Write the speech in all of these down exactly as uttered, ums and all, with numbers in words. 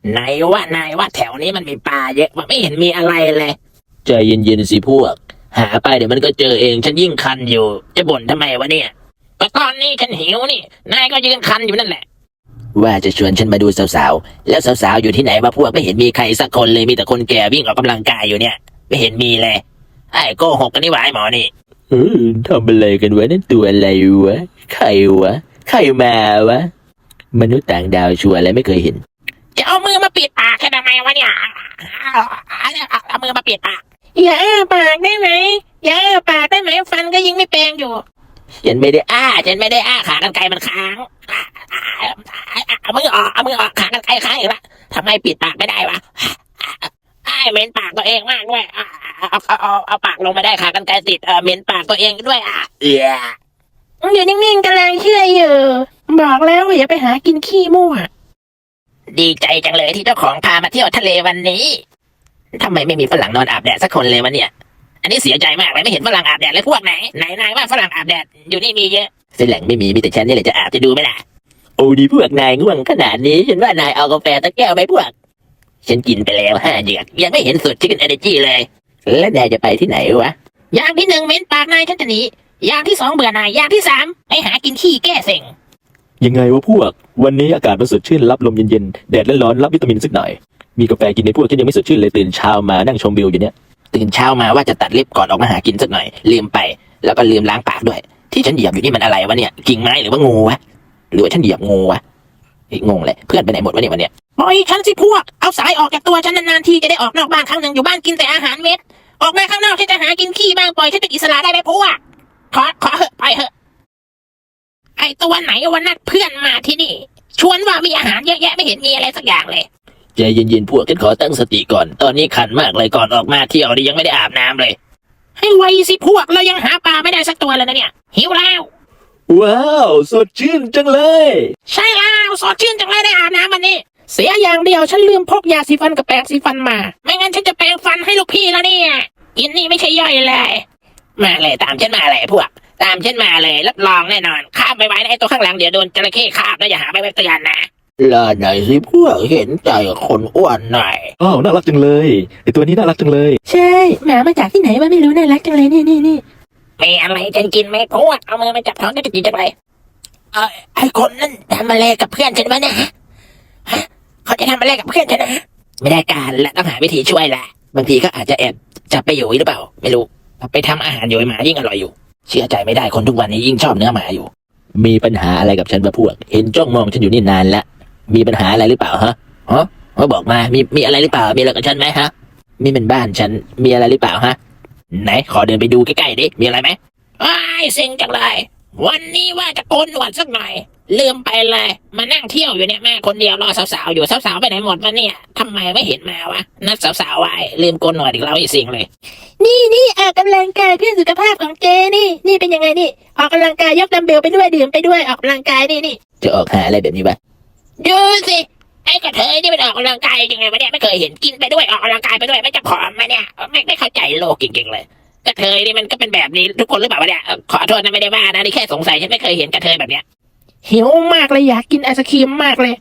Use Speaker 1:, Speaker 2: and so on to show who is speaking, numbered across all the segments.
Speaker 1: ไหนว่านายว่าแถวนี้มันมีปลาเยอะว่าไม่เห็นมีอะไรเลย
Speaker 2: ใจเย็นๆสิพวกหาไปเดี๋ยวมันก็เจอเองฉันยิ่งคันอยู่จะบ่นทำไมวะเนี่ย
Speaker 1: ก็ตอนนี้ฉันหิวนี่นายก็ยืนคันอยู่นั่นแหละ
Speaker 2: ว่าจะชวนฉันมาดูสาวๆแล้วสาวๆอยู่ที่ไหนวะพวกไม่เห็นมีใครสักคนเลยมีแต่คนแก่วิ่งออกกำลังกายอยู่เนี่ยไม่เห็นมีเลยไอ้โกหกกันนี่หว่าไอ้หมอนี่
Speaker 3: เออทำอะไรกันวะนั่นตัวอะไรวะใครวะใครมาวะมนุษย์ต่างดาวชัวร์อะไรไม่เคยเห็น
Speaker 1: จะเอามือมาปิดปากแค่ทำไมวะเนี่ยเอามือมาปิดปากอย่าอ้าปากได้ไหมอย่าอ้าปากได้ไหมฟันก็ยิงไม่แปลงอยู่
Speaker 2: ฉันไม่ได้อ้า
Speaker 1: ฉันไม่ได้อ้าขากรรไกรมันค้างเอามือออกเอามือออกขากรรไกรค้างอีกละทำไมปิดปากไม่ได้วะไอ้เหม็นปากตัวเองมากด้วยเอาเอาเอาเอาปากลงมาได้ขากรรไกรติดเออเหม็นปากตัวเองด้วยอ่ะเอียอยู่นิ่งๆกำลังเชื่ออยู่บอกแล้วว่าอย่าไปหากินขี้มั่วดีใจจังเลยที่เจ้าของพามาเที่ยวทะเลวันนี้ทำไมไม่มีฝรั่งนอนอาบแดดสักคนเลยวะเนี่ยอันนี้เสียใจมากเลยไม่เห็นฝรั่งอาบแดดเลยพวกไหนไหนนายว่าฝรั่งอาบแดดอยู่นี่มีเยอะ
Speaker 2: ฝรั่งไม่มีมีแต่ฉันนี่แหละจะอาบจะดูไหมล่ะโอ้ดีพวกนายง่วงขนาดนี้ฉันว่านายเอากาแฟตะแก้วไปพวกฉันกินไปแล้วห้าเหยือกยังไม่เห็นสุดชิคเก้นเอเนจีเลยแล้วนายจะไปที่ไหนวะ
Speaker 1: อย่างที่หนึ่งเหม็นปากนายฉันจะหนีอย่างที่สองเบื่อนายอย่างที่สามไปหากินขี้แก้เซ็ง
Speaker 3: ยังไงวะพวกวันนี้อากาศมันสดชื่นรับลมเย็นๆแดดร้อนๆรับวิตามินสักหน่อยมีกาแฟกินในพวกที่ยังไม่สดชื่นเลยตื่นเช้ามานั่งชมวิวอยู่เนี่ย
Speaker 2: ตื่นเช้ามาว่าจะตัดเล็บก่อนออกมาหากินสักหน่อยลืมไปแล้วก็ลืมล้างปากด้วยที่ฉันเหยียบอยู่นี่มันอะไรวะเนี่ยกิ่งไม้หรือว่างูวะหรือว่าฉันเหยียบงูวะไอ้งงเลยเพื่อนไปไหนหมดวะเนี่ยวันเนี้ย
Speaker 1: ปล่อยฉันสิพวกเอาสายออกจากตัวฉันนานๆทีจะได้ออกนอกบ้านครั้งหนึ่งอยู่บ้านกินแต่อาหารเม็ดออกมาข้างนอกฉันจะหากินขี้บ้างปล่อยฉันเป็นอิสระได้ไหมพวกขอขอเหอะไปเหอะไอ้ตัวไหนวันนัดเพื่อนมาที่นี่ชวนว่ามีอาหารเยอะแยะไม่เห็นมีอะไรสักอย่างเลย
Speaker 2: ใจเย็นๆพวกฉันขอตั้งสติก่อนตอนนี้ขันมากเลยก่อนออกมาเที่ยวนี่ยังไม่ได้อาบน้ำเลย
Speaker 1: ให้ไวสิพวกเรายังหาปลาไม่ได้สักตัวเลยนะเนี่ยหิวแล้ว
Speaker 3: ว้าวสดชื่นจังเลย
Speaker 1: ใช่แล้วสดชื่นจังเลยได้อาบน้ำวันนี้เสียอย่างเดียวฉันลืมพกยาสีฟันกับแปรงสีฟันมาไม่งั้นฉันจะแปรงฟันให้ลูกพี่แล้วเนี่ยกินนี่ไม่ใช่ย่อยเลยมาเลยตามฉันมาเลยพวกตามฉันมาเลยรับรองแน่นอนข้ามไปไว้ในไอ้ตัวข้างหลังเดี๋ยวโดนจระเข้คาบแล้วอย่าหาไปเตือนนะ
Speaker 2: รอหน่อยสิพวกเห็นใจคนอ้วนหน่อย
Speaker 3: อ้าวน่ารักจังเลยไอตัวนี้น่ารักจังเลย
Speaker 1: ใช่หมามาจากที่ไหนวะไม่รู้น่ารักจังเลยนี่นี่นี่มีอะไรจะกินไหมพวกเอามือมาจับท้องจะกินจังไรเออไอคนนั่นทำอะไรกับเพื่อนฉันวะเนี่ยฮะเขาจะทำอะไรกับเพื่อนฉันนะไม่ได้การและต้องหาวิธีช่วยแหละบางทีก็อาจจะแอบจับไปอยู่หรือเปล่าไม่รู้ไปทำอาหารโยยหมายิ่งอร่อยอยู่เชื่อใจไม่ได้คนทุกวันนี้ยิ่งชอบเนื้อหมาอยู่
Speaker 2: มีปัญหาอะไรกับฉันปะพวกเห็นจ้องมองฉันอยู่นี่นานแล้วมีปัญหาอะไรหรือเปล่าฮะฮะมาบอกมามีมีอะไรหรือเปล่ามีอะไรกับฉันไหมฮะนี่เป็นบ้านฉันมีอะไรหรือเปล่าฮะไหนขอเดินไปดูใกล้ๆดิมีอะไรไหมไอ้เซ็งจังเลยวันนี้ว่าจะโกนหนวดสักหน่อยลืมไปเลยมานั่งเที่ยวอยู่เนี่ยแม่คนเดียวรอสาวๆอยู่สาวๆไปไหนหมดวะเนี่ยทำไมไม่เห็นมาวะนัดสาวๆไว้ลืมโกนหนวดอีกแล้วอีสิงเลยนี่นี่ออกกำลังกายเพื่อสุขภาพของเจนี่นี่เป็นยังไงนี่ออกกำลังกายยกดัมเบลไปด้วยดื่มไปด้วยออกกำลังกายนี่นี่จะออกหาอะไรแบบนี้ปะ
Speaker 1: ดูสิไอ้กระเทยนี่มันออกกำลังกายยังไงวะเนี่ยไม่เคยเห็นกินไปด้วยออกกำลังกายไปด้วยไม่จะผอมไหมเนี่ยไม่ไม่เข้าใจโลกจริงๆเลยกระเทยนี่มันก็เป็นแบบนี้ทุกคนหรือเปล่าวะเนี่ยขอโทษนะไม่ได้ว่านะนี่แค่สงสัยฉันไม่เคยเห็นกระเทยแบบเนี้ยหิวมากเลยอยากกินไอศครีมมากเลย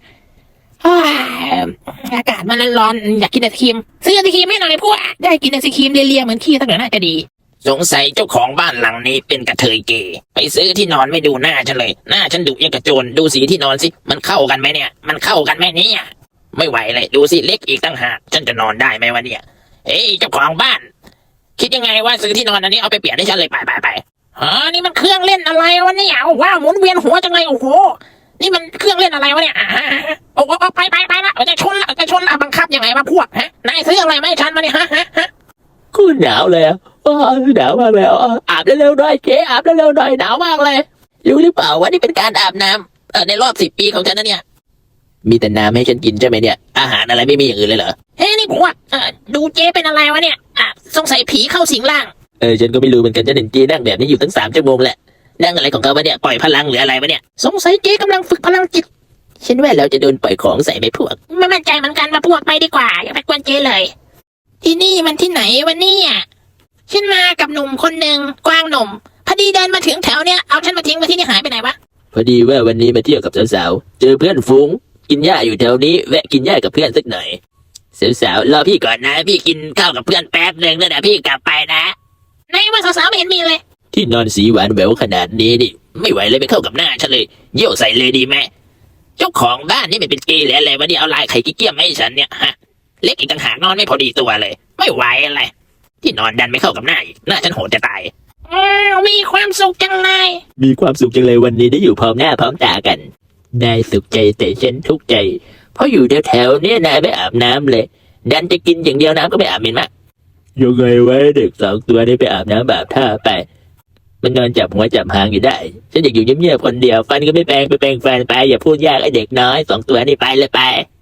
Speaker 1: อากาศมันร้อนอยากกินไอศครีมซื้อไอศครีมให้หน่อยพวกได้กินไอศครีมเลียๆเหมือนขี้ตั้งแต่น่าจะดีสงสัยเจ้าของบ้านหลังนี้เป็นกระเทยเกย์ไปซื้อที่นอนไม่ดูหน้าฉันเลยหน้าฉันดุยังกระโจนดูสีที่นอนสิมันเข้ากันไหมเนี่ยมันเข้ากันไหมเนี่ยไม่ไหวเลยดูสิเล็กอีกตั้งหากฉันจะนอนได้ไหมวะเนี่ยเฮ้ยเจ้าของบ้านคิดยังไงว่าซื้อที่นอนอันนี้เอาไปเปลี่ยนให้ฉันเลยไปไปไปอ๋อนี่มันเครื่องเล่นอะไรวะเนี่ยว้าวหมุนเวียนหัวจังเลยโอ้โหนี่มันเครื่องเล่นอะไรวะเนี่ยโอ้โหไปไปไปละจะชนละจะชนละบังคับยังไงวะพวกฮะนายซื้ออะไรไม่ฉันมาเนี่ยฮะฮะฮะ
Speaker 3: กูหนาวเลยอ๋อหนาวมากเลยอาบเร็วๆหน่อยเจ๊อาบเร็วๆหน่อยหนาวมากเลย
Speaker 2: รู้หรือเปล่าว่านี่เป็นการอาบน้ำเออในรอบสิบปีของฉันนะเนี่ยมีแต่น้ำให้ฉันกินใช่ไหมเนี่ยอาหารอะไรไม่มีอย่างอื่นเลยเหรอ
Speaker 1: เฮ้ยนี่ผมว่าดูเจ๊เป็นอะไรวะเนี่ยอ่ะสงสัยผีเข้าสิงร่าง
Speaker 2: เออฉันก็ไม่รู้เหมือนกันจะเห็นเจ๊นั่งแบบนี้อยู่ตั้งสามชั่วโมงแหละนั่งอะไรของเขาวะเนี่ยปล่อยพลังหรืออะไรวะเนี่ย
Speaker 1: สงสัยเจ๊กำลังฝึกพลังจิต
Speaker 2: ฉันว่าเราจะโดนปล่อยของใส่ไปพวก
Speaker 1: ไม่มั่นใจเหมือนกันว่าพวกไปดีกว่าอย่าไปกวนเจ๊เลยที่นี่มันที่ไหนวะเนี่ยฉันมากับหนุ่มคนหนึ่งกวางหนุ่มพอดีเดินมาถึงแถวเนี้ยเอาฉันมาทิ้งไว้ที่นี่หายไปไหนวะ
Speaker 2: พอดีว่าวันนี้มาเที่ยวกับสาวๆเจอเพื่อนฝูงกินหญ้าอยู่แถวนี้แวะกินหญ้ากับเพื่อนสักหน่อยสาวๆรอพี่ก่อนนะพี่กินข้าวกับเพื่อนแป๊บหนึ่งแล้วเดี๋ยวพี่กลับไปนะ
Speaker 1: ในว่าสาวๆไม่เห็นมีเลย
Speaker 2: ที่นอนสีหวานแหววขนาดนี้นี่ไม่ไหวเลยไปเข้ากับหน้าฉันเลยเยี่ยวใส่เลยดีไหมเจ้าของบ้านนี่มันเป็นเกย์หรืออะไรวะเนี่ยเอาลายไข่กิ๊กเกี้ยมมาให้ฉันเนี่ยฮะเล็กอีกต่างหากนอนไม่พอดีตัวเลย ไม่ไหวอะไรที่นอนดันไม่เข้ากับหน้าอีกหน้าฉันโหดจะตาย
Speaker 1: อ้าวมีความสุขจังเลย
Speaker 3: มีความสุขจังเลยวันนี้ได้อยู่พร้อม
Speaker 2: หน้าพร้อมตากันได้สุขใจแต่ฉันทุกข์ใจ เพราะอยู่แถวๆเนี่ยนายไม่อาบน้ำเลย ดันจะกินอย่างเดียวน้ำก็ไม่อาบเห็นไหม
Speaker 3: ยังไงไว้เด็ก
Speaker 2: สองตัวนี้ไปอาบน้ำแบบท่าไป มันนอนจับหัวจับหางอยู่ได้ ฉันอยากอยู่เงียบๆคนเดียวฟันก็ไม่แปรงไปแปรงฟันไปอย่าพูดยากไอเด็กน้อยสองตัวนี้ไปเลยไป